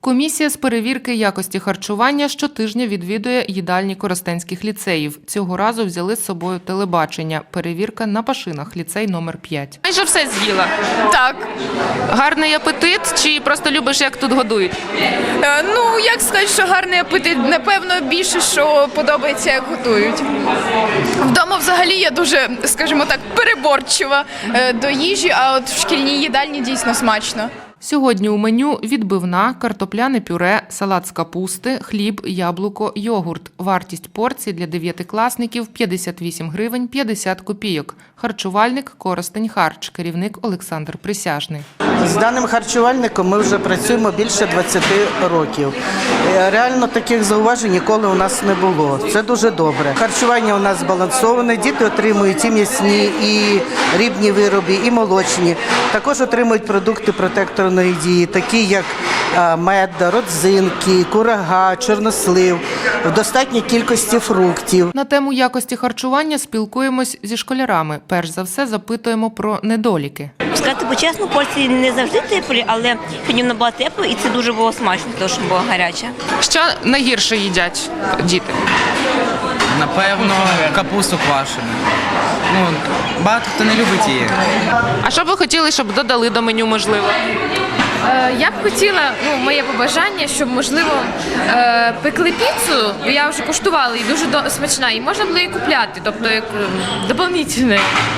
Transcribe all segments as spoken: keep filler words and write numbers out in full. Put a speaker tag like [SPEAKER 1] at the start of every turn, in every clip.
[SPEAKER 1] Комісія з перевірки якості харчування щотижня відвідує їдальні коростенських ліцеїв. Цього разу взяли з собою телебачення. Перевірка на Пашинах, ліцей номер п'ять.
[SPEAKER 2] Майже все з'їла.
[SPEAKER 3] Так.
[SPEAKER 2] Гарний апетит чи просто любиш, як тут годують?
[SPEAKER 3] Е, ну, як сказати, що гарний апетит, напевно, більше, що подобається, як готують. Вдома взагалі я дуже, скажімо так, переборчива е, до їжі, а от в шкільній їдальні дійсно смачно.
[SPEAKER 1] Сьогодні у меню відбивна, картопляне пюре, салат з капусти, хліб, яблуко, йогурт. Вартість порції для дев'ятикласників – п'ятдесят вісім гривень п'ятдесят копійок. Харчувальник Коростень Харч, керівник Олександр Присяжний.
[SPEAKER 4] З даним харчувальником ми вже працюємо більше двадцяти років. Реально таких зауважень ніколи у нас не було. Це дуже добре. Харчування у нас збалансоване, діти отримують і м'ясні, і рибні вироби, і молочні. Також отримують продукти протекторної дії, такі як мед, родзинки, курага, чорнослив, в достатній кількості фруктів.
[SPEAKER 1] На тему якості харчування спілкуємось зі школярами. Перш за все запитуємо про недоліки.
[SPEAKER 5] Сказати по-чесно, порції не завжди теплі, але сьогодні вона була тепла і це дуже було смачно, тому що була гаряча.
[SPEAKER 2] Що найгірше їдять діти?
[SPEAKER 6] Напевно, капусту квашену. Ну, багато хто не любить її.
[SPEAKER 2] А що б ви хотіли, щоб додали до меню, можливо?
[SPEAKER 7] Я б хотіла, ну, моє побажання, щоб, можливо, е, пекли піцу, бо я вже куштувала, і дуже до- смачна, і можна було її купляти, тобто як ем, доповнительне.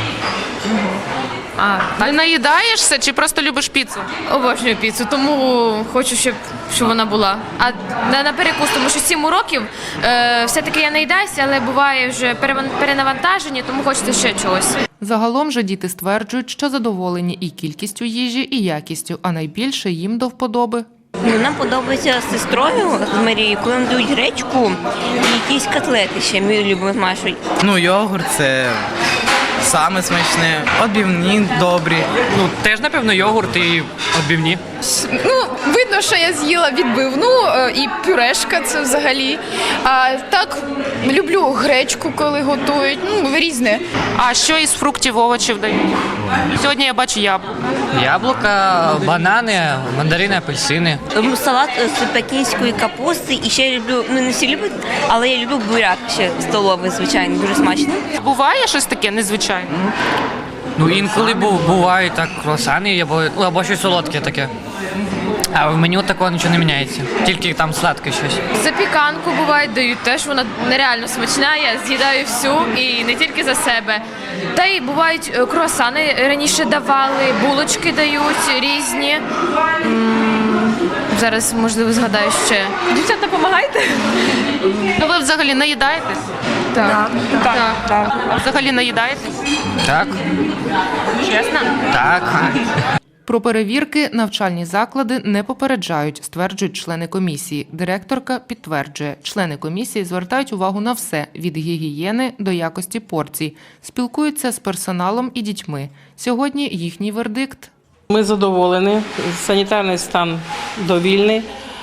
[SPEAKER 7] А,
[SPEAKER 2] Ти наїдаєшся чи просто любиш піцу?
[SPEAKER 7] обожнюю піцу, тому хочу, щоб, щоб вона була. А на, на перекус, тому що сім уроків, е, все-таки я наїдаюся, але буває вже переван- перенавантажені, тому хочеться ще чогось.
[SPEAKER 1] Загалом же діти стверджують, що задоволені і кількістю їжі, і якістю, а найбільше їм до вподоби.
[SPEAKER 5] Ну, нам подобається з сестрою з Марією, коли нам дають гречку і якісь котлети ще, ми любимо смажувати.
[SPEAKER 6] Ну, йогурт – це саме смачне, відбивні добрі.
[SPEAKER 8] Ну, теж, напевно, йогурт і відбивні.
[SPEAKER 3] Ну, видно, що я з'їла відбивну е, і пюрешка це взагалі. А так, люблю гречку, коли готують, ну, різне.
[SPEAKER 2] А що із фруктів, овочів дають? Сьогодні я бачу яблуко.
[SPEAKER 8] Яблука, банани, мандарини, апельсини.
[SPEAKER 5] Ем, Салат з пекінської капусти і ще я люблю, ну не всі люблять, але я люблю буряк ще столовий, звичайно, дуже смачно.
[SPEAKER 2] Буває щось таке незвичайне?
[SPEAKER 8] Ну, інколи бу- бувають так круасани або, ну, або щось солодке таке. А в меню такого нічого не міняється, тільки там сладке щось.
[SPEAKER 7] Запіканку буває, дають теж, вона нереально смачна, я з'їдаю всю і не тільки за себе. Та й бувають е, круасани раніше давали, булочки дають різні. М, Зараз, можливо, згадаю ще. Дівчата, допомагайте?
[SPEAKER 2] Ну ви взагалі наїдаєтесь?
[SPEAKER 7] Так. Так. Так.
[SPEAKER 2] А взагалі наїдаєтесь?
[SPEAKER 8] Так?
[SPEAKER 2] Чесно?
[SPEAKER 8] Так.
[SPEAKER 1] Про перевірки навчальні заклади не попереджають, стверджують члени комісії. Директорка підтверджує, члени комісії звертають увагу на все – від гігієни до якості порцій. Спілкуються з персоналом і дітьми. Сьогодні їхній вердикт.
[SPEAKER 9] Ми задоволені, санітарний стан довільний.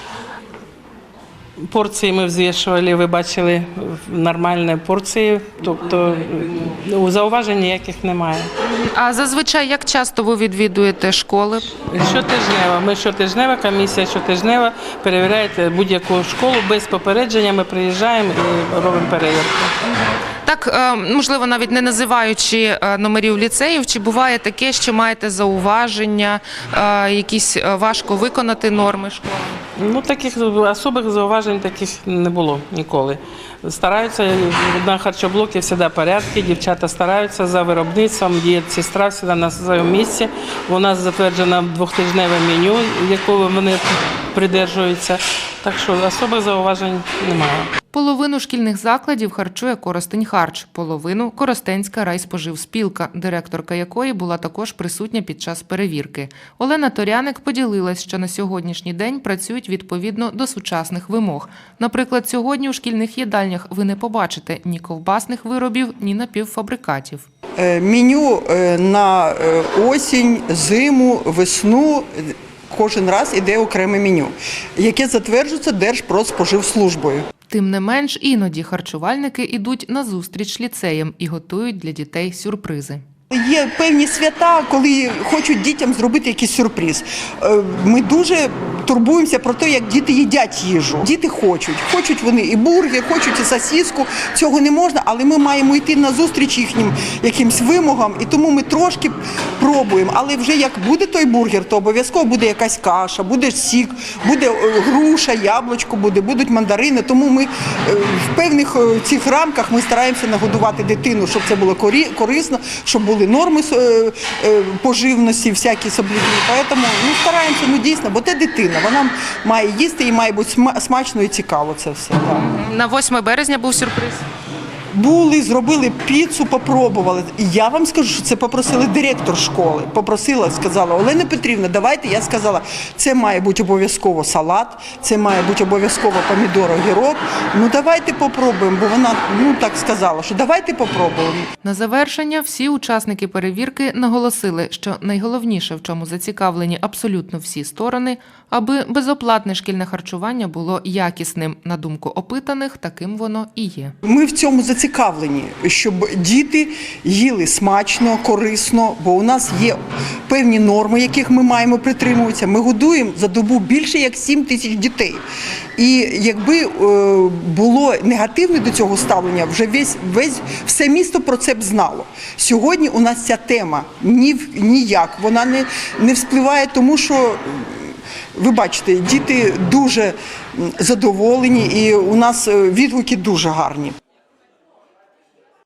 [SPEAKER 9] Порції ми взвішували, ви бачили нормальні порції, тобто зауважень ніяких немає.
[SPEAKER 2] А зазвичай як часто ви відвідуєте школи?
[SPEAKER 9] Щотижнево, ми щотижнева комісія, щотижнево перевіряє будь-яку школу, без попередження ми приїжджаємо і робимо перевірку.
[SPEAKER 2] Так, е, можливо, навіть не називаючи е, номерів ліцеїв, чи буває таке, що маєте зауваження, е, якісь е, важко виконати норми школи?
[SPEAKER 9] Ну, таких особих зауважень таких не було ніколи. Стараються, на харчоблокі завжди порядки, дівчата стараються за виробництвом, дієтсестра завжди на своєму місці. У нас затверджено двохтижневе меню, якого вони придержуються, так що особих зауважень немає.
[SPEAKER 1] Половину шкільних закладів харчує Коростень Харч, половину – Коростенська райспоживспілка, директорка якої була також присутня під час перевірки. Олена Торяник поділилась, що на сьогоднішній день працюють відповідно до сучасних вимог. Наприклад, сьогодні у шкільних їдальнях ви не побачите ні ковбасних виробів, ні напівфабрикатів.
[SPEAKER 10] Меню на осінь, зиму, весну кожен раз іде окреме меню, яке затверджується Держпродспоживслужбою.
[SPEAKER 1] Тим не менш, іноді харчувальники йдуть на зустріч ліцеям і готують для дітей сюрпризи.
[SPEAKER 10] Є певні свята, коли хочуть дітям зробити якийсь сюрприз. Ми дуже турбуємося про те, як діти їдять їжу. Діти хочуть. Хочуть вони і бургер, хочуть і сосиску. Цього не можна, але ми маємо йти на зустріч їхнім якимсь вимогам, і тому ми трошки пробуємо. Але вже як буде той бургер, то обов'язково буде якась каша, буде сік, буде е, груша, яблучко буде, будуть мандарини. Тому ми е, в певних е, цих рамках ми стараємося нагодувати дитину, щоб це було корі- корисно, щоб були норми е, е, поживності, всякі соблюдні. Тому ну, стараємося, ну дійсно, бо це дитина, вона має їсти і має бути сма- смачно і цікаво це все. Так.
[SPEAKER 2] На восьме березня був сюрприз.
[SPEAKER 10] Були, зробили піцу, попробували. І я вам скажу, що це попросили директор школи. Попросила, сказала, Олена Петрівна, давайте. Я сказала, це має бути обов'язково салат, це має бути обов'язково помідор, огірок. Ну давайте попробуємо, бо вона ну так сказала, що давайте попробуємо.
[SPEAKER 1] На завершення всі учасники перевірки наголосили, що найголовніше, в чому зацікавлені абсолютно всі сторони, аби безоплатне шкільне харчування було якісним. На думку опитаних, таким воно і є.
[SPEAKER 10] Ми в цьому зацікавлені, щоб діти їли смачно, корисно, бо у нас є певні норми, яких ми маємо притримуватися. Ми годуємо за добу більше як сім тисяч дітей. І якби е, було негативне до цього ставлення, вже весь, весь, все місто про це б знало. Сьогодні у нас ця тема ні, ніяк, вона не, не вспливає, тому що ви бачите, діти дуже задоволені і у нас відгуки дуже гарні.